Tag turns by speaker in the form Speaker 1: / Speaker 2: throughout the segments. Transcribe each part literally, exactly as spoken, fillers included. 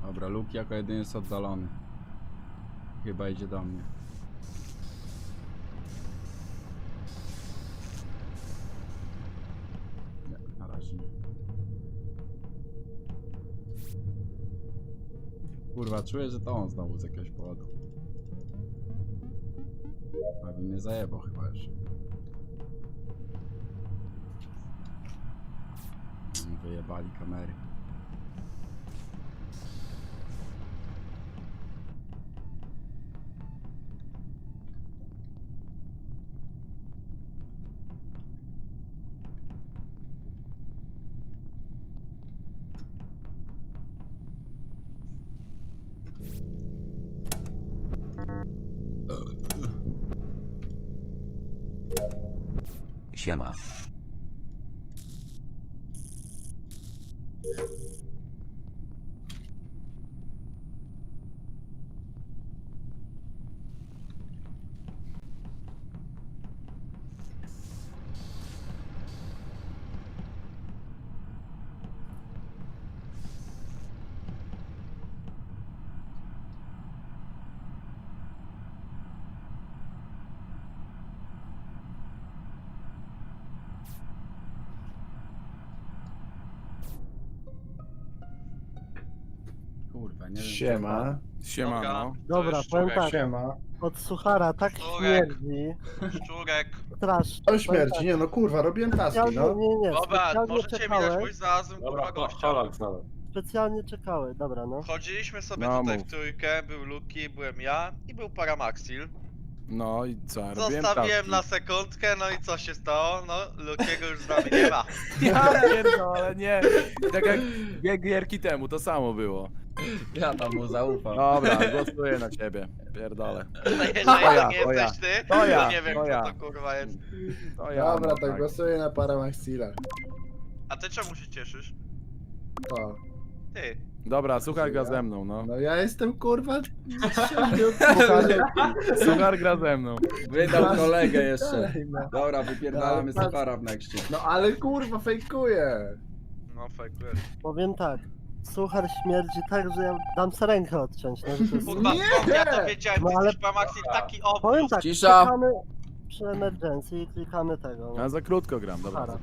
Speaker 1: Dobra, Luke jako jedyny jest oddalony. Chyba idzie do mnie. Nie, na razie nie. Kurwa, czuję, że to on znowu z jakiegoś powodu. Aby mnie zajebał chyba już. Wyjebali kamery.
Speaker 2: Siema.
Speaker 1: Kurwa, nie wiem.
Speaker 3: Siema.
Speaker 4: Siema, no.
Speaker 5: Dobra,
Speaker 4: To jest
Speaker 5: powiem
Speaker 4: szczurek.
Speaker 5: tak,
Speaker 3: Siema.
Speaker 5: od suchara tak
Speaker 4: Szczurek.
Speaker 5: śmierdzi,
Speaker 4: Szczurek.
Speaker 5: strasznie.
Speaker 3: To śmierci, nie no kurwa, robiłem taski,
Speaker 5: Specjalnie,
Speaker 3: no.
Speaker 5: nie, nie,
Speaker 4: Dobra,
Speaker 5: specjalnie
Speaker 4: możecie mi dać
Speaker 5: czekałem,
Speaker 4: mój znalazłem kurwa gościa.
Speaker 5: specjalnie czekały, dobra no.
Speaker 4: Chodziliśmy sobie
Speaker 6: No,
Speaker 4: tutaj
Speaker 6: mów.
Speaker 4: w trójkę, był Luki, byłem ja i był Paramaxil.
Speaker 6: No i co, robiłem
Speaker 4: Zostawiłem
Speaker 6: taski.
Speaker 4: na sekundkę, no i co się stało? No, Lukiego już z nami nie ma.
Speaker 6: Ja pierdolę, nie. Tak jak dwie gierki temu, to samo było.
Speaker 1: Ja tam mu zaufam.
Speaker 6: Dobra, głosuję na ciebie. Pierdolę.
Speaker 4: No jeżeli
Speaker 6: To ja,
Speaker 4: to nie
Speaker 6: to ja.
Speaker 4: jesteś ty,
Speaker 6: To
Speaker 4: to
Speaker 6: ja,
Speaker 4: nie wiem
Speaker 6: to ja.
Speaker 4: kto to kurwa jest.
Speaker 6: To ja,
Speaker 3: Dobra,
Speaker 6: no,
Speaker 3: to
Speaker 6: tak.
Speaker 3: głosuję na Paramaxila.
Speaker 4: A ty czemu się cieszysz?
Speaker 3: To.
Speaker 4: Ty.
Speaker 6: Dobra, słuchaj gra ze mną, no.
Speaker 3: No ja jestem kurwa siedmiu
Speaker 6: Suchar gra ze mną.
Speaker 1: Wydał kolegę jeszcze.
Speaker 3: no.
Speaker 1: Dobra, wypierdalamy
Speaker 3: Ale-
Speaker 1: Suchara w nexcie.
Speaker 3: no ale kurwa fejkuję.
Speaker 4: No fejkujesz.
Speaker 5: Powiem tak, suchar śmierdzi tak, że ja dam sobie rękę odciąć, no, że to jest...
Speaker 4: Kurwa,
Speaker 3: Nie!
Speaker 4: skąd ja to wiedziałem,
Speaker 5: No
Speaker 4: ty
Speaker 5: ale-
Speaker 4: jesteś Paramaxil taki
Speaker 5: Powiem
Speaker 4: obvious.
Speaker 5: tak,
Speaker 1: Cisza.
Speaker 5: klikamy przy emergency i klikamy tego, no.
Speaker 6: Ja za krótko gram, dobra.
Speaker 5: Suchara.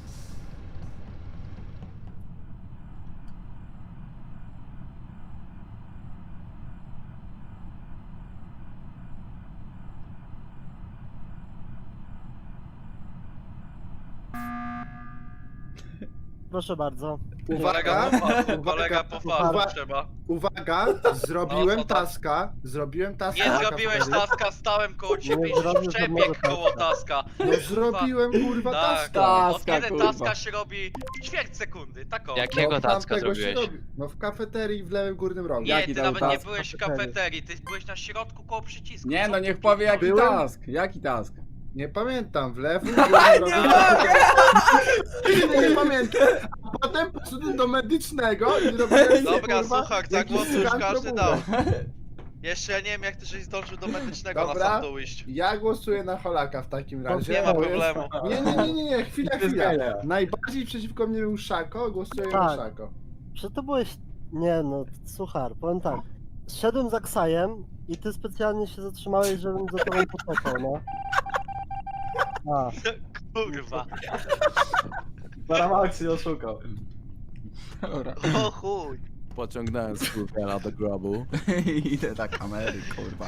Speaker 5: Proszę bardzo.
Speaker 4: Kolega
Speaker 3: Uwaga,
Speaker 4: po fachu,
Speaker 3: uwaga,
Speaker 4: kolega po
Speaker 5: uwaga.
Speaker 4: fachu trzeba.
Speaker 3: uwaga, zrobiłem
Speaker 4: No, co tam?
Speaker 3: taska, zrobiłem taska.
Speaker 4: Nie
Speaker 3: na
Speaker 4: zrobiłeś
Speaker 3: kafeterii.
Speaker 4: taska, stałem koło ciebie
Speaker 5: Nie
Speaker 4: i
Speaker 5: zrobił
Speaker 4: przebieg
Speaker 5: żadnego
Speaker 4: koło taska.
Speaker 3: No zrobiłem kurwa
Speaker 4: Tak,
Speaker 3: taska.
Speaker 4: od
Speaker 1: Taska,
Speaker 4: kiedy
Speaker 1: kurwa.
Speaker 4: taska się robi w ćwierć sekundy, tak o.
Speaker 7: Jakiego
Speaker 3: No,
Speaker 7: tacka
Speaker 3: tamtego się
Speaker 7: zrobiłeś?
Speaker 3: robi. No w kafeterii w lewym górnym rogu.
Speaker 4: Nie,
Speaker 1: Jaki
Speaker 4: ty
Speaker 1: tam
Speaker 4: nawet nie
Speaker 1: task?
Speaker 4: byłeś w
Speaker 5: Kafeterii.
Speaker 4: kafeterii, ty byłeś na środku koło przycisku.
Speaker 1: Nie
Speaker 4: Co
Speaker 1: no,
Speaker 4: ty
Speaker 1: niech
Speaker 4: tu
Speaker 1: powie jaki
Speaker 3: Byłem?
Speaker 1: task. Jaki task?
Speaker 3: Nie pamiętam, w lewym górnym rogu. Nie, nie pamiętam. A potem poszedłem do medycznego i zrobiłem
Speaker 4: Dobra,
Speaker 3: kurwa,
Speaker 4: słuchaj,
Speaker 3: jakiś
Speaker 4: zagłosuj, już
Speaker 3: skan
Speaker 4: każdy
Speaker 3: probówek.
Speaker 4: dał. Jeszcze ja nie wiem jak ty żeś zdążył do medycznego na
Speaker 3: Dobra.
Speaker 4: sam dół iść.
Speaker 3: Ja głosuję na Holaka w takim razie.
Speaker 4: Nie ma
Speaker 3: bo jest-
Speaker 4: problemu.
Speaker 3: Nie, nie, nie, nie, nie, chwila, chwila. Najbardziej przeciwko mnie był Szako, głosuję na
Speaker 5: Tak.
Speaker 3: Szako.
Speaker 5: Czy to byłeś... Nie no, suchar, powiem tak. Szedłem za Ksajem i ty specjalnie się zatrzymałeś, żebym za tobą poczekał, no. A,
Speaker 4: Kurwa.
Speaker 3: Paramaxi oszukał.
Speaker 1: Dobra.
Speaker 4: O chuj.
Speaker 6: Pociągnąłem skórkę do grobu.
Speaker 1: Idę na kamery, kurwa.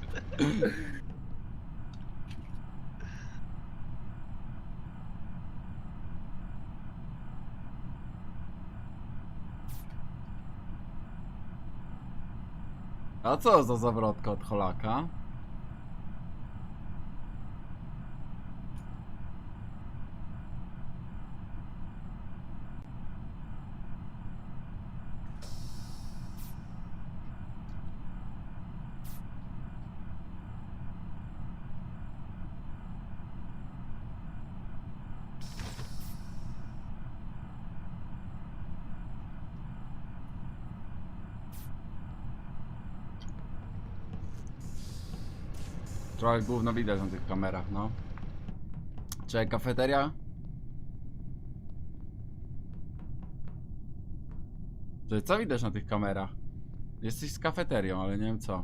Speaker 1: A co za zawrotka od Holaka? Trochę gówno widać na tych kamerach, no. Czekaj, kafeteria? Czy co widać na tych kamerach? Jesteś z kafeterią, ale nie wiem co.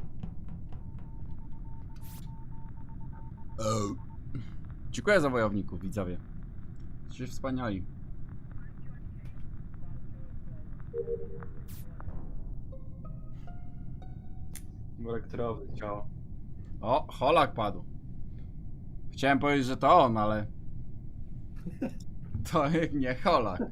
Speaker 1: Dziękuję za wojowników, widzowie. Jesteście wspaniali.
Speaker 7: Elektrowy ciało.
Speaker 1: O, Holak padł. Chciałem powiedzieć, że to on, ale... To nie Holak.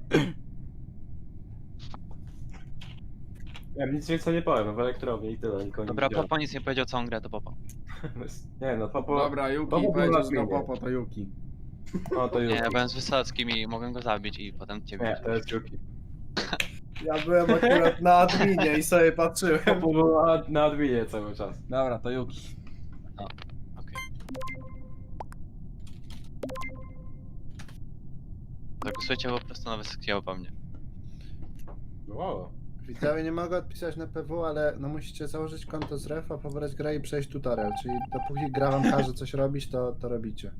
Speaker 7: Ja nic więcej nie powiem, w elektrowni i tyle, nikogo nie
Speaker 8: Dobra,
Speaker 7: widziałem.
Speaker 8: Popo nic nie powiedział, co on gra, to Popo.
Speaker 7: Nie no, Popo...
Speaker 1: Dobra, Yuki,
Speaker 7: Popo był
Speaker 1: powiedział,
Speaker 7: na
Speaker 1: że to
Speaker 7: zmianie.
Speaker 1: Popo, to Yuki.
Speaker 7: O, to
Speaker 8: Nie,
Speaker 7: Yuki.
Speaker 8: ja byłem z Wysockim i mogłem go zabić i potem ciebie.
Speaker 7: Nie, to jest Yuki.
Speaker 9: Ja byłem akurat na adminie i sobie patrzyłem.
Speaker 7: Popo był na, na adminie cały czas.
Speaker 1: Dobra, to Yuki.
Speaker 8: Okej. Zagłosujcie po prostu na Wysockiego po mnie.
Speaker 7: Wow.
Speaker 3: Widzowie nie mogę odpisać na P W, ale no musicie założyć konto z refa, pobrać grę i przejść tutorial, czyli dopóki gra wam każe coś robić, to, to robicie.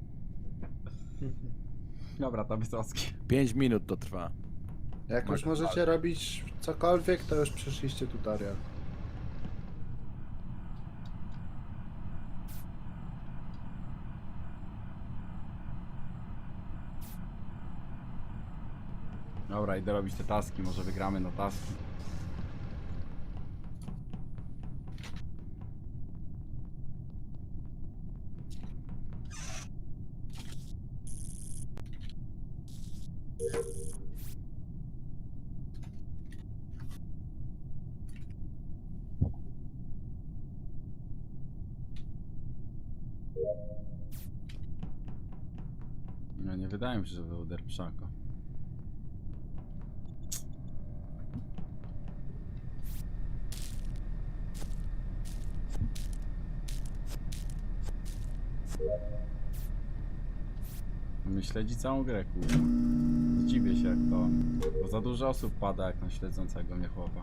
Speaker 1: Dobra, to Wysocki.
Speaker 6: pięć minut to trwa.
Speaker 3: Jak już możecie robić cokolwiek, to już przeszliście tutorial.
Speaker 1: Dobra, idę robić te taski, może wygramy na taski. No nie wydaje mi się, że był derpszako. My śledzi całą grę, kurwa. Zdziwię się jak to. Bo za dużo osób pada jak na śledzącego mnie chłopa.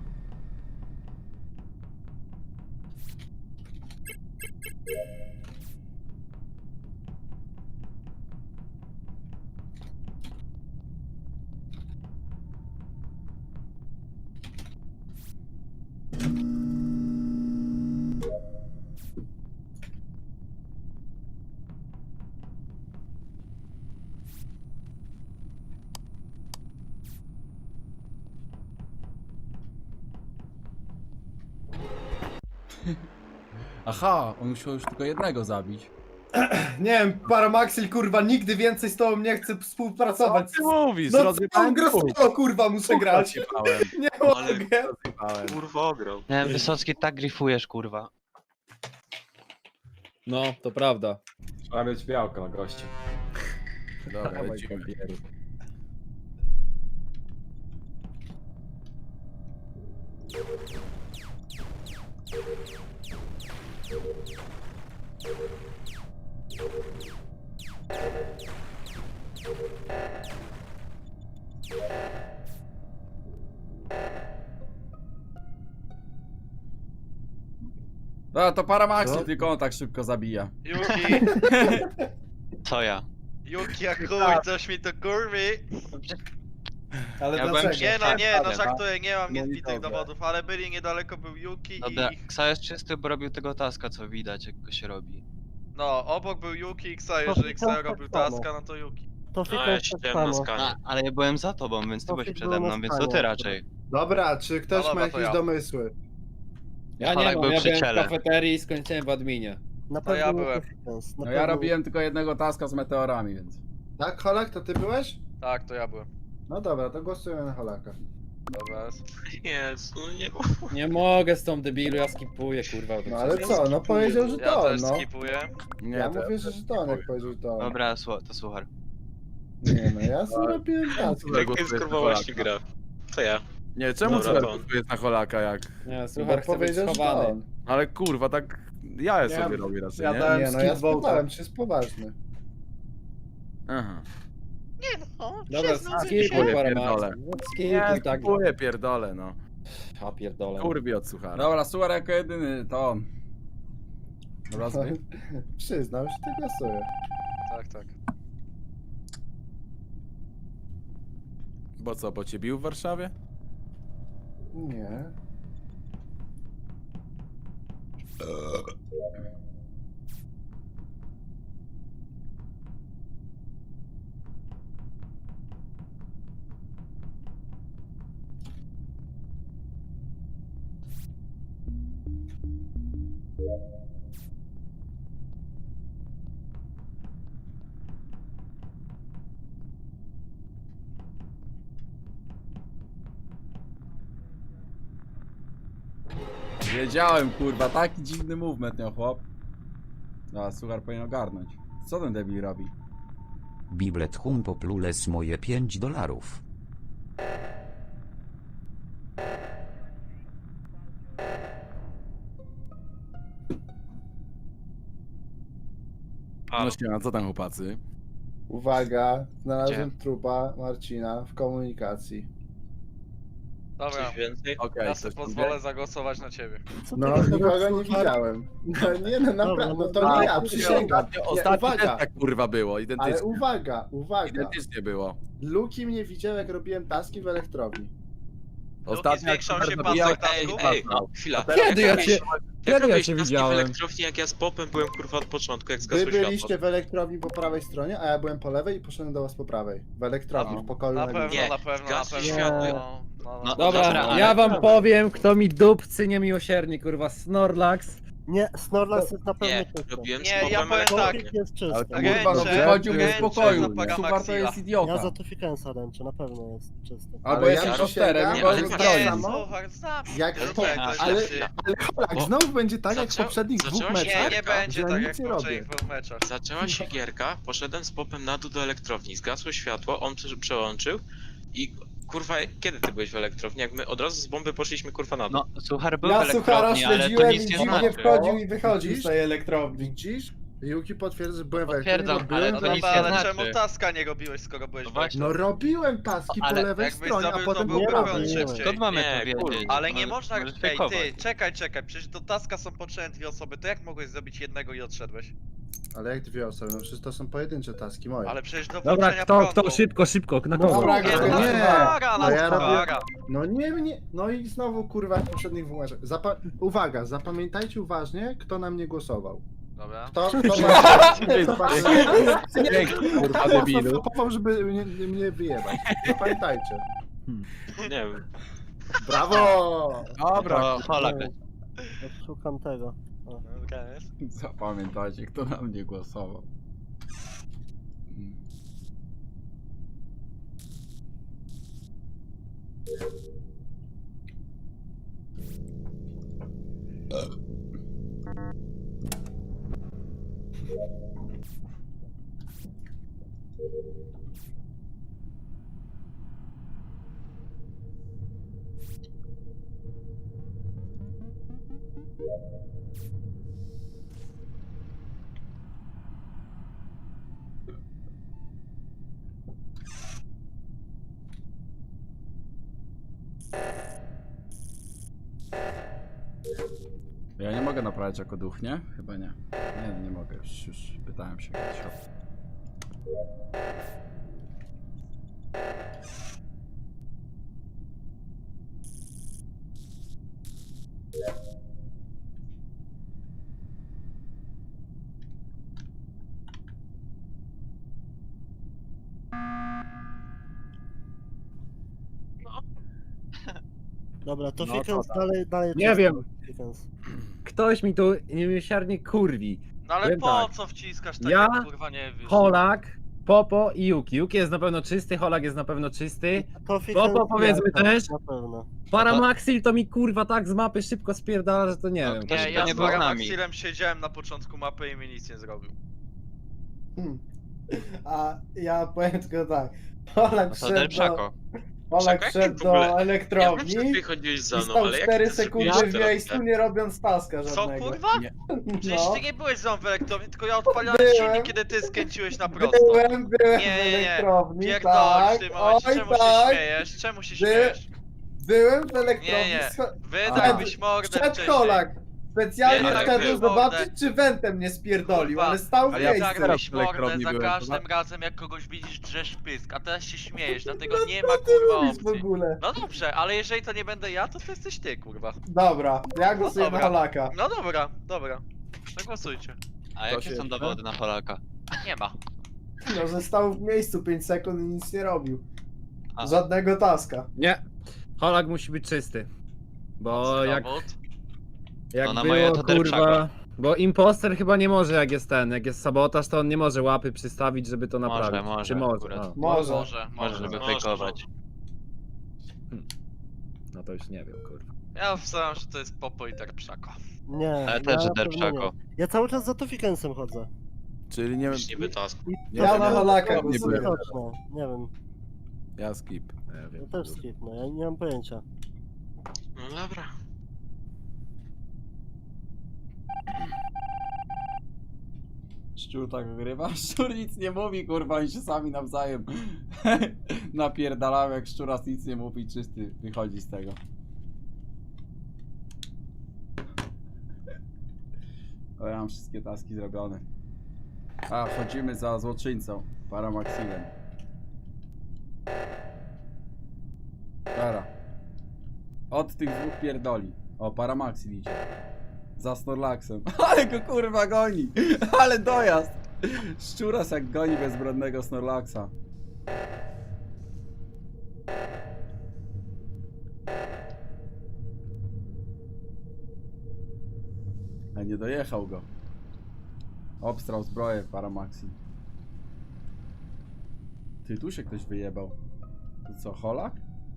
Speaker 1: Aha, on musiał już tylko jednego zabić.
Speaker 9: Nie wiem, Paramaxil, kurwa, nigdy więcej z tobą nie chcę współpracować.
Speaker 6: Ty mówisz,
Speaker 9: No
Speaker 6: rozjebałem
Speaker 9: co grę
Speaker 6: dwóch.
Speaker 9: kurwa, muszę grać.
Speaker 6: Rozjebałem,
Speaker 9: Nie
Speaker 8: Ale-
Speaker 9: mogę.
Speaker 6: rozjebałem.
Speaker 4: Kurwa ograł.
Speaker 8: Nie, Wysocki tak grifujesz, kurwa.
Speaker 10: No, to prawda.
Speaker 7: Trzeba mieć białko na goście.
Speaker 6: Dobra, lecimy.
Speaker 1: No to Paramaxi,
Speaker 3: Co?
Speaker 1: tylko on tak szybko zabija.
Speaker 4: Yuki,
Speaker 8: Co ja?
Speaker 4: Yuki jak chuj, coś mi to kurwi.
Speaker 9: Ale
Speaker 8: Ja byłem
Speaker 9: dlaczego?
Speaker 8: przy-
Speaker 4: Nie no, nie, no
Speaker 8: Dobra.
Speaker 4: żartuję, nie mam nic
Speaker 9: No i
Speaker 4: bitych
Speaker 9: dobra.
Speaker 4: dowodów, ale byli niedaleko, był Yuki
Speaker 8: Dobra,
Speaker 4: i...
Speaker 8: Ksa jest czysty, bo robił tego taska, co widać, jak go się robi.
Speaker 4: No, obok był Yuki i Ksa,
Speaker 5: To
Speaker 4: jeżeli
Speaker 5: Fiko
Speaker 4: Ksa
Speaker 5: tak
Speaker 4: robił
Speaker 5: samo.
Speaker 4: taska, no to Yuki.
Speaker 5: To Fiko jest tak samo.
Speaker 8: A, ale ja byłem za tobą, więc ty
Speaker 5: To
Speaker 8: byłeś
Speaker 5: Fik
Speaker 8: przede
Speaker 5: był na
Speaker 8: mną, więc to ty
Speaker 5: stanie.
Speaker 8: raczej.
Speaker 3: Dobra, czy ktoś
Speaker 4: No dobra,
Speaker 3: ma
Speaker 4: to
Speaker 3: jakieś
Speaker 4: ja.
Speaker 3: domysły?
Speaker 10: Ja
Speaker 8: Polak
Speaker 10: nie mam,
Speaker 8: był
Speaker 10: ja
Speaker 8: przy
Speaker 10: byłem w
Speaker 8: ciele.
Speaker 10: kafeterii i skończyłem w adminie.
Speaker 5: Na
Speaker 4: To ja
Speaker 5: pewno nie
Speaker 4: byłem.
Speaker 5: to Fikens, na
Speaker 1: No ja
Speaker 5: pewno-
Speaker 1: robiłem tylko jednego taska z meteorami, więc...
Speaker 3: Tak, Holak, to ty byłeś?
Speaker 4: Tak, to ja byłem.
Speaker 3: No dobra, to głosujemy na Holaka.
Speaker 4: Dobra, jest.
Speaker 11: Jezu, nie
Speaker 10: Nie mogę z tą debilu, ja skipuję, kurwa. to
Speaker 3: No ale
Speaker 10: przecież-
Speaker 3: co, no powiedział, że
Speaker 4: Ja
Speaker 3: to on,
Speaker 4: też
Speaker 3: no.
Speaker 4: skipuję.
Speaker 6: Nie,
Speaker 3: Ja
Speaker 6: to-
Speaker 3: mówię, że że to on, jak powiedział, że to on.
Speaker 8: Dobra, słu- to słuchaj.
Speaker 3: Nie no, ja sobie robiłem taski.
Speaker 11: Jak jest kurwa właśnie gra. To ja.
Speaker 6: Nie, czemu
Speaker 11: Dobra,
Speaker 6: Cyber
Speaker 11: to on.
Speaker 6: jest na Holaka jak?
Speaker 10: Nie,
Speaker 3: Bo
Speaker 10: słuchaj, chcę być
Speaker 3: powiedział, że to
Speaker 10: schowany.
Speaker 3: on.
Speaker 6: Ale kurwa, tak ja je
Speaker 9: Nie,
Speaker 6: sobie robię raczej,
Speaker 9: ja
Speaker 6: nie?
Speaker 9: dałem-
Speaker 3: Nie no, ja
Speaker 9: skip vote'a.
Speaker 3: spytałem, czy jest poważny.
Speaker 6: Aha.
Speaker 10: Dobra, skipuj
Speaker 6: Pierdolę.
Speaker 10: parę
Speaker 6: Nie,
Speaker 10: Skipuj tak.
Speaker 6: kupuję, pierdolę, no.
Speaker 10: A pierdolę.
Speaker 6: Kurwi od suchara.
Speaker 1: Dobra, Suar jako jedyny, to on. Dobra, zbyt.
Speaker 3: Przyznał się, ty głosuje.
Speaker 4: Tak, tak.
Speaker 6: Bo co, bo cię bił w Warszawie?
Speaker 3: Nie.
Speaker 1: Wiedziałem, kurwa, taki dziwny movement miał chłop. No, suchar powinien ogarnąć. Co ten debil robi?
Speaker 2: Biblet hum poplules moje pięć dolarów.
Speaker 6: No śmiała, co tam chłopacy?
Speaker 3: Uwaga, znalazłem trupa Marcina w komunikacji.
Speaker 4: Dobra,
Speaker 11: Coś więcej?
Speaker 6: Okej,
Speaker 4: ja
Speaker 6: coś
Speaker 4: sobie
Speaker 6: tam
Speaker 4: pozwolę zagłosować na ciebie.
Speaker 5: Co
Speaker 3: No,
Speaker 5: ty
Speaker 3: nikogo
Speaker 5: gadasz,
Speaker 3: nie
Speaker 5: suchar?
Speaker 3: widziałem. No nie, no naprawdę, no to
Speaker 5: A,
Speaker 3: nie ja,
Speaker 5: kurwa,
Speaker 3: przysięgam.
Speaker 6: Ostatnio,
Speaker 3: Nie,
Speaker 6: ostatnio też
Speaker 3: uwaga,
Speaker 6: tak kurwa było,
Speaker 3: ale
Speaker 6: identycznie.
Speaker 3: uwaga, uwaga.
Speaker 6: Identycznie było.
Speaker 3: Luki mnie widział, jak robiłem taski w elektrowni.
Speaker 6: Ostatnio
Speaker 4: zwiększał
Speaker 6: jak
Speaker 4: się
Speaker 6: Super
Speaker 4: pasek
Speaker 6: zabijał-
Speaker 4: tasków?
Speaker 11: Ej, ej, chwila.
Speaker 10: Kiedy ja cię...
Speaker 11: Jak
Speaker 10: Kiedy ja
Speaker 11: robiłeś
Speaker 10: cię
Speaker 11: taski
Speaker 10: widziałem?
Speaker 11: w elektrowni, jak ja z popem byłem kurwa od początku, jak
Speaker 3: Wy
Speaker 11: zgasło
Speaker 3: byliście
Speaker 11: światło.
Speaker 3: w elektrowni po prawej stronie, a ja byłem po lewej i poszedłem do was po prawej. W elektrowni,
Speaker 6: No.
Speaker 3: w pokoju
Speaker 4: Na
Speaker 3: na
Speaker 4: pewno,
Speaker 3: górze.
Speaker 11: Nie,
Speaker 4: na pewno, na
Speaker 11: zgasło
Speaker 4: pewno.
Speaker 5: światło.
Speaker 4: No, no, no.
Speaker 11: No,
Speaker 10: Dobra,
Speaker 11: Dobra, ale-
Speaker 10: ja wam powiem, kto mi dupcy niemiłosiernie, kurwa, Snorlax.
Speaker 5: Nie, Snorlax jest na pewno
Speaker 11: Nie,
Speaker 5: czysty.
Speaker 11: robiłem z
Speaker 4: Nie, ja
Speaker 11: popem
Speaker 4: powiem tak.
Speaker 11: elektrownię.
Speaker 5: Tofik jest czysty.
Speaker 6: Ale to
Speaker 4: Ręce,
Speaker 1: Kurwa, no wychodził mi z
Speaker 4: ręce
Speaker 1: pokoju.
Speaker 4: za paga
Speaker 1: Suchar to
Speaker 4: Maxilla.
Speaker 1: jest idiota.
Speaker 5: Ja za Tofikensa ręczę, na pewno jest czysty.
Speaker 1: Albo
Speaker 3: Ale
Speaker 1: jest
Speaker 3: ja
Speaker 1: impostorem,
Speaker 3: przysięgam,
Speaker 1: albo
Speaker 11: że
Speaker 1: jest
Speaker 11: tak
Speaker 1: zbrojny.
Speaker 4: Nie,
Speaker 3: samo.
Speaker 4: słuchaj, znam.
Speaker 3: Jak
Speaker 4: Ja
Speaker 3: to,
Speaker 4: wiem, to jest
Speaker 3: ale,
Speaker 4: lepszy.
Speaker 3: ale Holak, znowu będzie tak jak w
Speaker 11: Zaczą-
Speaker 3: poprzednich dwóch
Speaker 11: zaczęło się-
Speaker 3: meczach.
Speaker 4: Nie, nie będzie
Speaker 3: że
Speaker 4: tak
Speaker 3: nic
Speaker 4: jak
Speaker 3: nie
Speaker 4: w
Speaker 3: robię.
Speaker 4: poprzednich dwóch meczach.
Speaker 11: Zaczęła się gierka, poszedłem z popem na dół do elektrowni, zgasło światło, on prze- przełączył i kurwa, kiedy ty byłeś w elektrowni? Jak my od razu z bomby poszliśmy kurwa na dół.
Speaker 8: No, Suchar był w
Speaker 9: Ja Suchara
Speaker 8: elektrowni, ale to
Speaker 9: śledziłem i
Speaker 8: nic nie
Speaker 9: dziwnie
Speaker 8: znaczy.
Speaker 9: wchodził i wychodził
Speaker 3: Widzisz?
Speaker 9: z tej elektrowni.
Speaker 3: Widzisz? Yuki potwierdza, że byłem w
Speaker 8: Potwierdzam,
Speaker 3: elektrowni,
Speaker 8: ale
Speaker 3: bo
Speaker 8: to
Speaker 3: byłem
Speaker 8: nic
Speaker 3: tam-
Speaker 8: nie
Speaker 4: ale
Speaker 8: znaczy.
Speaker 4: czemu taska nie robiłeś, skoro byłeś
Speaker 8: No
Speaker 4: w
Speaker 8: właśnie.
Speaker 3: No robiłem taski po
Speaker 5: Ale
Speaker 3: lewej
Speaker 4: jakbyś
Speaker 3: stronie, a
Speaker 4: zrobił, to
Speaker 3: potem
Speaker 4: byłby
Speaker 3: nie
Speaker 5: prąd
Speaker 3: robiłem.
Speaker 4: szybciej.
Speaker 8: Skąd mamy
Speaker 11: Nie,
Speaker 8: to
Speaker 11: kurwa.
Speaker 8: wiedzieć?
Speaker 4: Ale nie
Speaker 8: Możesz-
Speaker 4: można...
Speaker 8: możesz
Speaker 4: Ej,
Speaker 8: fejkować.
Speaker 4: ty, czekaj, czekaj, przecież do taska są potrzebne dwie osoby, to jak mogłeś zrobić jednego i odszedłeś?
Speaker 3: Ale jak dwie osoby, no przecież to są pojedyncze taski moje.
Speaker 4: Ale przecież do
Speaker 10: Dobra,
Speaker 4: włączenia
Speaker 10: kto,
Speaker 4: prądu.
Speaker 10: kto, szybko, szybko, na
Speaker 3: No
Speaker 10: kogo?
Speaker 3: dobra,
Speaker 4: Nie,
Speaker 3: no
Speaker 4: no
Speaker 3: nie.
Speaker 4: Suchara,
Speaker 3: No
Speaker 4: no
Speaker 3: ja robię-
Speaker 4: Suchara.
Speaker 3: No nie, nie, no i znowu kurwa jak w poprzednich dwóch meczach. Zapa uwaga, zapamiętajcie uważnie, kto na mnie głosował.
Speaker 4: Dobra.
Speaker 3: Kto, kto ma...
Speaker 6: Dzięki, kurwa, debilu.
Speaker 3: Zapapował, żeby mnie, mnie wyjebać. Zapamiętajcie.
Speaker 11: Nie wiem.
Speaker 3: Brawo!
Speaker 6: Dobra,
Speaker 8: To Holak.
Speaker 5: Szukam tego.
Speaker 4: Dobra, jest.
Speaker 1: Zapamiętajcie, kto na mnie głosował. Mm. Ja nie mogę naprawiać jako duch, nie? Chyba nie. Nie, nie mogę, już, już pytałem się kiedyś o to.
Speaker 5: Dobra, Tofikens
Speaker 6: No, to tak.
Speaker 5: dalej, dalej
Speaker 10: Nie
Speaker 5: czysty.
Speaker 10: wiem.
Speaker 5: Tofikens.
Speaker 10: Ktoś mi tu niemiłosiernie kurwi.
Speaker 4: No ale
Speaker 10: Powiem
Speaker 4: po
Speaker 10: tak.
Speaker 4: co wciskasz tak,
Speaker 10: Ja,
Speaker 4: jak kurwa nie wiesz?
Speaker 10: Holak, Popo i Yuki. Yuki jest na pewno czysty, Holak jest na pewno czysty.
Speaker 5: Tofikens
Speaker 10: Popo powiedzmy
Speaker 5: ja,
Speaker 10: też.
Speaker 5: Na pewno.
Speaker 10: Paramaxil to mi kurwa tak z mapy szybko spierdala, że to nie
Speaker 8: No,
Speaker 10: wiem.
Speaker 8: kto
Speaker 4: Nie,
Speaker 8: się
Speaker 4: ja
Speaker 8: nie
Speaker 4: z
Speaker 8: był z nami.
Speaker 4: Paramaxilem siedziałem na początku mapy i mi nic nie zrobił.
Speaker 9: Hmm. A ja powiem tylko tak. Polak
Speaker 8: No to
Speaker 9: wszedł
Speaker 8: Del
Speaker 9: do,
Speaker 8: Chaco.
Speaker 9: Polak
Speaker 11: Czekaj,
Speaker 9: wszedł
Speaker 11: w ogóle-
Speaker 9: do
Speaker 11: Ja wiem,
Speaker 9: elektrowni
Speaker 11: że ty chodziłeś za
Speaker 9: i
Speaker 11: mną,
Speaker 9: stał
Speaker 11: ale jak
Speaker 9: cztery
Speaker 11: ty
Speaker 9: sekundy
Speaker 11: zrobiłeś
Speaker 9: w
Speaker 11: teraz
Speaker 9: miejscu,
Speaker 11: tak?
Speaker 9: nie robiąc taska
Speaker 4: Co
Speaker 9: żadnego.
Speaker 4: kurwa? Przecież
Speaker 9: No.
Speaker 4: ty nie byłeś za mną w elektrowni, tylko ja odpaliłem
Speaker 9: Byłem.
Speaker 4: silnik, kiedy ty skręciłeś na prosto.
Speaker 9: Byłem, byłem
Speaker 4: Nie,
Speaker 9: w
Speaker 4: nie, nie.
Speaker 9: elektrowni,
Speaker 4: Pierdolisz
Speaker 9: tak.
Speaker 4: w tym momencie,
Speaker 9: Oj,
Speaker 4: czemu się
Speaker 9: tak.
Speaker 4: śmiejesz? Czemu się
Speaker 9: By-
Speaker 4: śmiejesz?
Speaker 9: Byłem w elektrowni.
Speaker 4: Nie, nie.
Speaker 9: scho-
Speaker 4: Wydałbyś mordę
Speaker 9: Wszedł
Speaker 4: wcześniej.
Speaker 9: Holak. specjalnie
Speaker 4: Nie, tak
Speaker 9: wszedłem
Speaker 4: było,
Speaker 9: zobaczyć, czy wentem nie spierdolił,
Speaker 4: Kurwa.
Speaker 9: ale stał w
Speaker 6: Ale ja
Speaker 9: miejscu.
Speaker 6: tak
Speaker 4: Zagrałeś
Speaker 6: teraz w
Speaker 4: mordę
Speaker 6: elektrowni
Speaker 4: za
Speaker 6: byłem,
Speaker 4: każdym
Speaker 6: dobra?
Speaker 4: razem, jak kogoś widzisz, drzesz pysk, a teraz się śmiejesz, dlatego nie ma kurwa
Speaker 9: Mówisz w
Speaker 4: opcji.
Speaker 9: ogóle.
Speaker 4: No dobrze, ale jeżeli to nie będę ja, to to jesteś ty, kurwa.
Speaker 9: Dobra, ja głosuję na
Speaker 4: dobra.
Speaker 9: Holaka.
Speaker 4: No dobra, dobra. No głosujcie.
Speaker 8: A
Speaker 6: To
Speaker 8: jakie
Speaker 6: się
Speaker 8: są
Speaker 6: jeszcze?
Speaker 8: dowody na Polaka?
Speaker 4: Nie ma.
Speaker 9: No, że stał w miejscu pięć sekund i nic nie robił.
Speaker 8: A.
Speaker 9: Żadnego taska.
Speaker 10: Nie. Holak musi być czysty. Bo jak,
Speaker 4: Dowód.
Speaker 10: jak
Speaker 8: To na
Speaker 10: było,
Speaker 8: moje to
Speaker 10: kurwa...
Speaker 8: Derpszako.
Speaker 10: Bo imposter chyba nie może, jak jest ten, jak jest sabotaż, to on nie może łapy przystawić, żeby to
Speaker 8: Może,
Speaker 10: naprawić.
Speaker 8: może
Speaker 10: Czy może?
Speaker 8: akurat.
Speaker 10: A,
Speaker 9: Może.
Speaker 4: Może,
Speaker 8: Może, żeby fejkować.
Speaker 10: no to już nie wiem, kurwa.
Speaker 4: Ja wstałem, że to jest Popo i Derpszako.
Speaker 5: Nie,
Speaker 8: Ale też, że
Speaker 5: na pewno
Speaker 8: Derpszako.
Speaker 5: nie. Ja cały czas za Tofikensem chodzę.
Speaker 6: Czyli nie wiem,
Speaker 11: Już niby task.
Speaker 5: I
Speaker 6: Ja
Speaker 5: to
Speaker 9: na
Speaker 5: jest-
Speaker 9: Holaka
Speaker 5: to jest
Speaker 9: głosuję.
Speaker 5: widoczne. Nie wiem,
Speaker 6: ja skip.
Speaker 10: Nie
Speaker 5: ja
Speaker 10: wiem.
Speaker 5: też skip, no ja nie mam pojęcia.
Speaker 11: No dobra.
Speaker 1: Szczur tak wygrywa? Szczur nic nie mówi, kurwa, oni się sami nawzajem napierdalają, jak szczuras nic nie mówi, czysty wychodzi z tego. O, ja mam wszystkie taski zrobione. A, wchodzimy za złoczyńcą, Paramaxilem. Dobra. Od tych dwóch pierdoli. O, Paramaxil idzie. Za Snorlaxem. Ale go kurwa goni! Ale dojazd! Szczuras jak goni bezbronnego Snorlaxa. A nie dojechał go. Obstrał zbroję Paramaxil. Ty, tu się ktoś wyjebał. To co, Holak?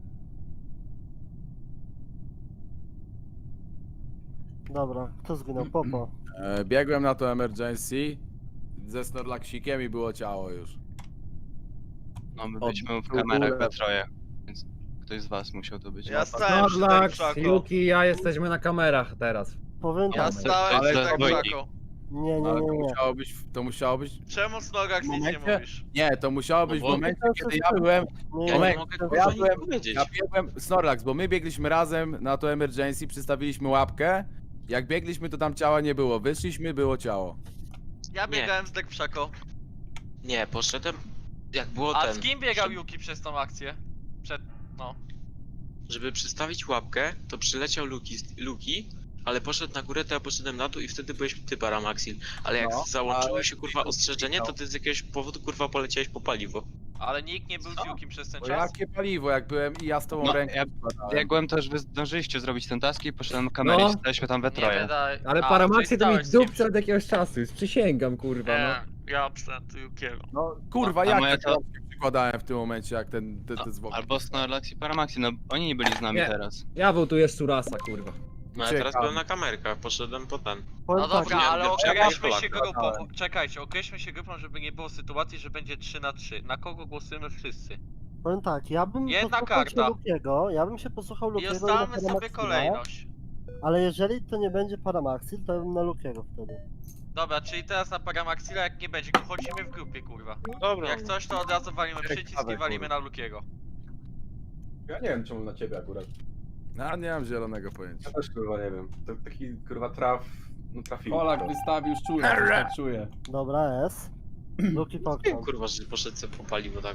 Speaker 5: Dobra, kto zginął? Popo.
Speaker 6: E, biegłem na to emergency ze Snorlaxikiem i było ciało już.
Speaker 8: No my
Speaker 6: Od-
Speaker 8: byliśmy w
Speaker 6: w
Speaker 8: kamerach
Speaker 6: ogóle.
Speaker 8: we troje. Więc ktoś z was musiał to być.
Speaker 4: Ja stałem przy
Speaker 10: Snorlax,
Speaker 4: Derpszako.
Speaker 10: Yuki i ja jesteśmy na kamerach teraz.
Speaker 5: Powiem
Speaker 4: Ja
Speaker 5: tak,
Speaker 4: stałem
Speaker 8: Ale
Speaker 4: przy
Speaker 8: to
Speaker 4: Derpszako.
Speaker 5: nie, nie,
Speaker 6: Ale
Speaker 5: nie,
Speaker 6: to
Speaker 5: nie.
Speaker 6: musiało być, to musiało być,
Speaker 4: Czemu Snorlax nic nie
Speaker 6: Momencie?
Speaker 4: mówisz?
Speaker 6: nie, to musiało być w
Speaker 11: bo-
Speaker 6: momencie,
Speaker 5: To
Speaker 6: kiedy
Speaker 5: jest
Speaker 6: ja byłem,
Speaker 5: Nie,
Speaker 11: Ja
Speaker 5: nie,
Speaker 11: nie
Speaker 6: Moment,
Speaker 11: mogę
Speaker 5: to-
Speaker 11: kurwa
Speaker 6: ja
Speaker 11: nic
Speaker 6: byłem-
Speaker 11: powiedzieć.
Speaker 6: ja biegłem, Snorlax, bo my biegliśmy razem na to emergency, przystawiliśmy łapkę, jak biegliśmy to tam ciała nie było, wyszliśmy, było ciało.
Speaker 4: Ja
Speaker 11: Nie.
Speaker 4: biegałem z Derpszako.
Speaker 11: Nie, poszedłem. Jak było
Speaker 4: A
Speaker 11: ten.
Speaker 4: z kim biegał
Speaker 11: żeby-
Speaker 4: Yuki przez tą akcję? Przed... no.
Speaker 11: Żeby przystawić łapkę, to przyleciał Luki, Luki, ale poszedł na górę, to ja poszedłem na dół i wtedy byłeś ty, Paramaxil. Ale jak
Speaker 6: No,
Speaker 11: załączyło
Speaker 6: ale-
Speaker 11: się kurwa ostrzeżenie, to ty z jakiegoś powodu kurwa poleciałeś po paliwo.
Speaker 4: Ale nikt nie był z
Speaker 11: Co?
Speaker 4: Yukim przez ten
Speaker 6: Bo
Speaker 4: czas.
Speaker 6: jakie paliwo, jak byłem i ja z tobą
Speaker 8: No,
Speaker 6: rękę
Speaker 8: ja
Speaker 6: wkładałem.
Speaker 8: biegłem też, wy zdążyliście zrobić ten task i poszedłem na kamerę
Speaker 10: No.
Speaker 8: i staliśmy tam we
Speaker 4: Nie
Speaker 8: troje.
Speaker 4: wydaje...
Speaker 10: Ale
Speaker 4: A,
Speaker 10: Paramaxi
Speaker 4: czyli
Speaker 10: to mi
Speaker 4: stałeś z kimś.
Speaker 10: dupce od jakiegoś czasu, już przysięgam, kurwa, no.
Speaker 4: Nie, ja absent Yukiego.
Speaker 6: No kurwa,
Speaker 8: A
Speaker 6: jak
Speaker 8: moja
Speaker 6: tak
Speaker 8: to-
Speaker 6: rączkę przykładałem w tym momencie, jak ten, te, te zwłoki.
Speaker 8: Albo Snorlax i Paramaxi, no oni nie byli z nami
Speaker 10: Nie.
Speaker 8: teraz.
Speaker 10: Ja wołtuję Szczurasa, kurwa.
Speaker 11: No ja teraz
Speaker 6: Ciekawe.
Speaker 11: byłem na kamerkach, poszedłem po ten.
Speaker 5: powiem
Speaker 4: No
Speaker 5: tak,
Speaker 4: dobra,
Speaker 11: nie,
Speaker 4: ale
Speaker 11: nie,
Speaker 4: określmy
Speaker 11: ja
Speaker 4: się
Speaker 11: Polaka
Speaker 4: grupą.
Speaker 6: dałem.
Speaker 4: Czekajcie, określmy się grupą, żeby nie było sytuacji, że będzie trzy na trzy. Na kogo głosujemy wszyscy?
Speaker 5: powiem tak, ja bym
Speaker 4: Jedna
Speaker 5: posłuchał się
Speaker 4: karta.
Speaker 5: Lukiego, ja bym się posłuchał
Speaker 4: I
Speaker 5: Lukiego i na
Speaker 4: ustalmy sobie
Speaker 5: Paramaxila,
Speaker 4: kolejność.
Speaker 5: ale jeżeli to nie będzie Paramaxil, to bym na Lukiego wtedy.
Speaker 4: Dobra, czyli teraz na Paramaxila, jak nie będzie, chodzimy w grupie, kurwa.
Speaker 11: Dobra.
Speaker 4: Jak coś, to od razu walimy przycisk i
Speaker 6: Ciekawe,
Speaker 4: walimy
Speaker 6: kurwa.
Speaker 4: na Lukiego.
Speaker 7: Ja nie wiem czemu na ciebie akurat.
Speaker 6: No nie mam zielonego pojęcia.
Speaker 7: Ja też kurwa nie wiem. To taki kurwa traf... No trafił.
Speaker 1: Polak wystawił szczura, coś tak czuję.
Speaker 5: Dobra, S. Luki
Speaker 11: Wiem
Speaker 5: pokrzał.
Speaker 11: kurwa, że poszedł sobie po paliwo tego.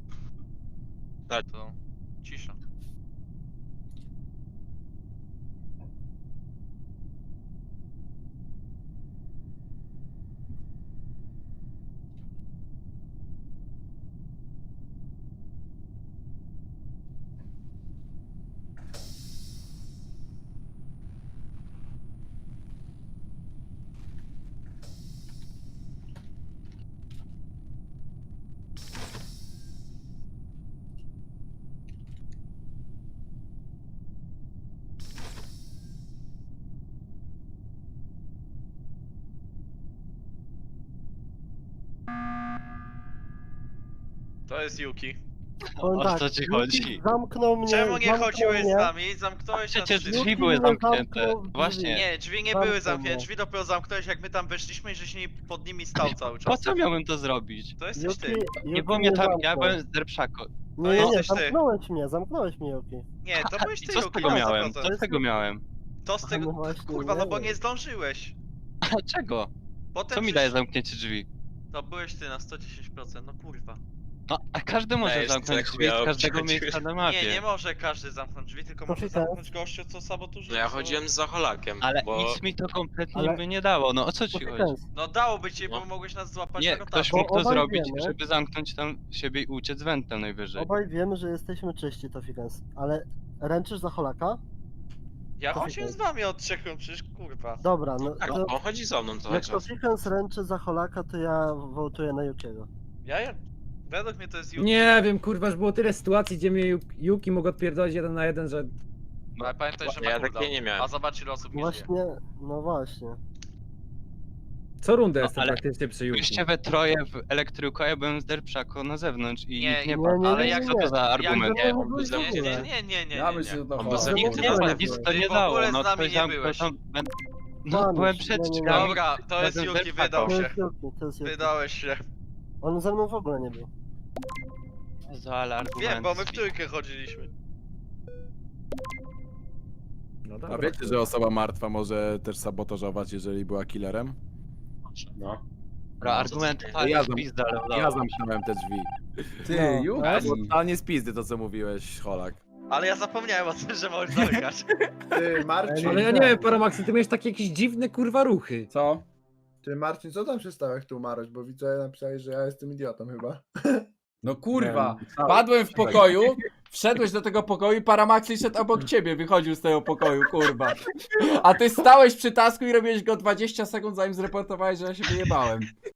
Speaker 4: To cisza. To jest Yuki.
Speaker 5: Powiem
Speaker 8: O
Speaker 5: tak,
Speaker 8: co ci
Speaker 5: Luki
Speaker 8: chodzi?
Speaker 5: Zamknął mnie,
Speaker 4: Czemu nie
Speaker 5: zamknął
Speaker 4: chodziłeś
Speaker 5: mnie.
Speaker 4: z nami? Zamknąłeś nas
Speaker 8: Przecież
Speaker 4: wszystkich.
Speaker 8: drzwi były
Speaker 5: mnie
Speaker 8: zamknięte.
Speaker 5: zamknął w
Speaker 8: Właśnie.
Speaker 5: drzwi.
Speaker 4: Nie, drzwi nie
Speaker 5: Zamknął
Speaker 4: były zamknięte,
Speaker 5: mnie.
Speaker 4: drzwi dopiero zamknąłeś jak my tam weszliśmy i żeś nie pod nimi stał cały
Speaker 8: Po
Speaker 4: czas.
Speaker 8: co miałem to zrobić?
Speaker 4: To jesteś
Speaker 5: Yuki,
Speaker 4: ty.
Speaker 8: Nie
Speaker 5: Yuki
Speaker 8: było mnie tam, ja
Speaker 5: zamknął.
Speaker 8: byłem z Derpszako.
Speaker 5: Nie, nie, nie,
Speaker 4: jesteś ty.
Speaker 5: zamknąłeś mnie, zamknłeś mnie, Yuki.
Speaker 4: Nie, to byłeś
Speaker 8: I
Speaker 4: ty,
Speaker 8: co z
Speaker 4: Yuki,
Speaker 8: tego
Speaker 4: na
Speaker 8: miałem?
Speaker 4: sto
Speaker 8: Co
Speaker 4: procent.
Speaker 8: z tego miałem?
Speaker 4: To z
Speaker 5: No
Speaker 4: tego,
Speaker 5: właśnie,
Speaker 4: kurwa, no bo
Speaker 5: wiem.
Speaker 4: nie zdążyłeś.
Speaker 8: Dlaczego?
Speaker 4: Potem
Speaker 8: Co mi
Speaker 4: przecież-
Speaker 8: daje zamknięcie drzwi?
Speaker 4: To byłeś ty na sto dziesięć procent, no kurwa.
Speaker 8: No, a każdy może
Speaker 11: Dajesz
Speaker 8: zamknąć
Speaker 11: tak
Speaker 8: drzwi z
Speaker 11: chujowo
Speaker 8: każdego
Speaker 11: przychodziłeś.
Speaker 8: miejsca na
Speaker 4: Nie,
Speaker 8: mapie.
Speaker 4: nie może każdy zamknąć drzwi, tylko
Speaker 5: To
Speaker 4: może
Speaker 5: czekaj.
Speaker 4: zamknąć gościu, co sabotażuje.
Speaker 11: No ja
Speaker 4: co-
Speaker 11: chodziłem za Holakiem,
Speaker 8: Ale
Speaker 11: bo...
Speaker 8: nic mi to kompletnie
Speaker 5: Ale-
Speaker 8: by nie dało, no o co ci chodzi?
Speaker 5: Konsekwencje.
Speaker 4: No dałoby ci, bo
Speaker 11: No.
Speaker 4: mogłeś nas złapać
Speaker 8: Nie,
Speaker 4: na
Speaker 8: ktoś
Speaker 4: rotacji.
Speaker 8: mógł to
Speaker 5: obaj
Speaker 8: zrobić,
Speaker 5: wiemy.
Speaker 8: żeby zamknąć tam siebie i uciec wentem najwyżej.
Speaker 5: Obaj wiemy, że jesteśmy czyści, to Fikens. Ale ręczysz za Holaka?
Speaker 4: Ja
Speaker 5: to
Speaker 4: chodziłem z
Speaker 5: czekaj.
Speaker 4: wami od trzech rund, przecież kurwa.
Speaker 5: Dobra, no
Speaker 11: Tak,
Speaker 5: to
Speaker 11: on chodzi za mną cały
Speaker 5: jak to
Speaker 11: czas.
Speaker 5: Fikens ręczy za Holaka, to ja wołtuję na Yukiego.
Speaker 4: Ja, ja... Według mnie to jest Yuki.
Speaker 10: Nie wiem, kurwa, już było tyle sytuacji, gdzie mnie Yu- Yuki mógł odpierdolić jeden na jeden, że...
Speaker 4: No, ale pamiętaj, że
Speaker 11: Ja
Speaker 4: ma
Speaker 11: takiej
Speaker 4: cooldown.
Speaker 11: nie miałem.
Speaker 4: A zobacz ile osób nie żyje.
Speaker 5: Właśnie, no właśnie.
Speaker 10: Co rundę
Speaker 8: No,
Speaker 10: jestem
Speaker 8: ale
Speaker 10: praktycznie przy Yuki.
Speaker 8: Byliście we troje w elektryku, a ja byłem z Derpszako na zewnątrz i
Speaker 4: Nie,
Speaker 8: nikt nie
Speaker 5: nie,
Speaker 8: padł.
Speaker 5: nie,
Speaker 8: Ale
Speaker 5: nie,
Speaker 8: jak
Speaker 5: nie,
Speaker 8: to
Speaker 5: nie.
Speaker 8: za argument?
Speaker 4: Jak-
Speaker 11: Nie, on by
Speaker 5: Nie,
Speaker 11: ze
Speaker 4: Nie,
Speaker 11: mną...
Speaker 4: nie, nie, nie, nie,
Speaker 1: Ja
Speaker 4: nie,
Speaker 1: myślę,
Speaker 4: nie.
Speaker 1: że to
Speaker 11: On
Speaker 1: Holak.
Speaker 11: by ze
Speaker 8: Nic
Speaker 11: mną
Speaker 8: nie,
Speaker 11: nie
Speaker 8: da,
Speaker 11: padł.
Speaker 8: nic to
Speaker 4: Ty
Speaker 8: nie
Speaker 4: w ogóle
Speaker 8: dało,
Speaker 4: z
Speaker 8: no
Speaker 4: nami
Speaker 8: ktoś
Speaker 4: nie
Speaker 8: tam,
Speaker 4: byłeś.
Speaker 8: ktoś tam... No
Speaker 5: Kłamiesz,
Speaker 8: byłem
Speaker 5: nie,
Speaker 8: przed
Speaker 5: nie, nie.
Speaker 8: drzwiami.
Speaker 4: Dobra, to jest
Speaker 8: Razem z
Speaker 4: Yuki,
Speaker 8: Derpszako.
Speaker 4: wydał
Speaker 5: To
Speaker 4: się.
Speaker 5: jest Yuki, to jest Yuki.
Speaker 4: Wydałeś się.
Speaker 5: On ze mną w ogóle nie był.
Speaker 8: Jezu, ale argument.
Speaker 4: Wiem, bo my w trójkę chodziliśmy.
Speaker 10: No
Speaker 6: A
Speaker 10: dobra.
Speaker 6: wiecie, że osoba martwa może też sabotażować, jeżeli była killerem?
Speaker 7: No.
Speaker 8: Dobra, argument
Speaker 11: Ja
Speaker 8: totalnie
Speaker 6: zam-
Speaker 8: z pizdy, ale udało
Speaker 6: Ja
Speaker 8: mi się.
Speaker 6: zamknąłem te drzwi.
Speaker 1: Ty,
Speaker 5: No,
Speaker 1: Yuki.
Speaker 6: To było totalnie z pizdy to, co mówiłeś, Holak.
Speaker 4: Ale ja zapomniałem o tym, że możesz zamykać.
Speaker 3: Ty, Marcin,
Speaker 10: Ale ja nie wiem, Paramaxy, ty miałeś takie jakieś dziwne, kurwa, ruchy.
Speaker 1: Co?
Speaker 3: ty Marcin, co tam się stało, jak tu umarłeś? Bo widzę, napisałeś, że ja jestem idiotą chyba.
Speaker 1: No kurwa,
Speaker 6: Nie,
Speaker 1: padłem w pokoju, wszedłeś do tego pokoju i Paramaxi szedł obok ciebie, wychodził z tego pokoju, kurwa. A ty stałeś przy tasku i robiłeś go dwadzieścia sekund, zanim zreportowałeś, że ja się wyjebałem.